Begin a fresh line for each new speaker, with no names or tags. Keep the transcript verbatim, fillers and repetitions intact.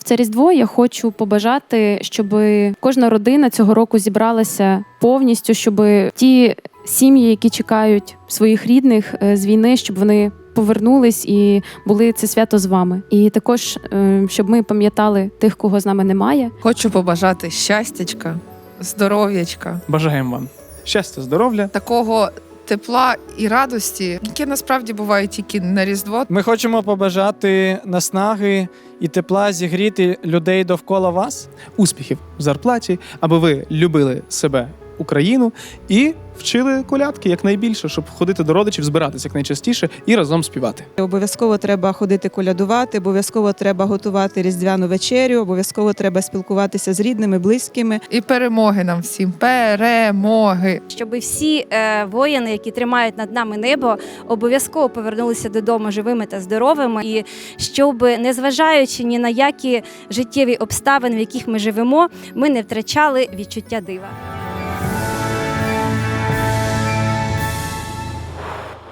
це Різдво я хочу побажати, щоб кожна родина цього року зібралася повністю, щоб ті сім'ї, які чекають своїх рідних з війни, щоб вони повернулись і були це свято з вами. І також, щоб ми пам'ятали тих, кого з нами немає.
Хочу побажати щастячка, здоров'ячка.
Бажаємо вам щастя, здоров'я.
Такого тепла і радості, яке насправді буває тільки на Різдво.
Ми хочемо побажати наснаги і тепла зігріти людей довкола вас.
Успіхів в зарплаті, аби ви любили себе, Україну, і вчили колядки якнайбільше, щоб ходити до родичів, збиратися якнайчастіше і разом співати.
Обов'язково треба ходити колядувати, обов'язково треба готувати різдвяну вечерю, обов'язково треба спілкуватися з рідними, близькими.
І перемоги нам всім. Перемоги!
Щоб всі е, воїни, які тримають над нами небо, обов'язково повернулися додому живими та здоровими. І щоб, незважаючи ні на які життєві обставини, в яких ми живемо, ми не втрачали відчуття дива.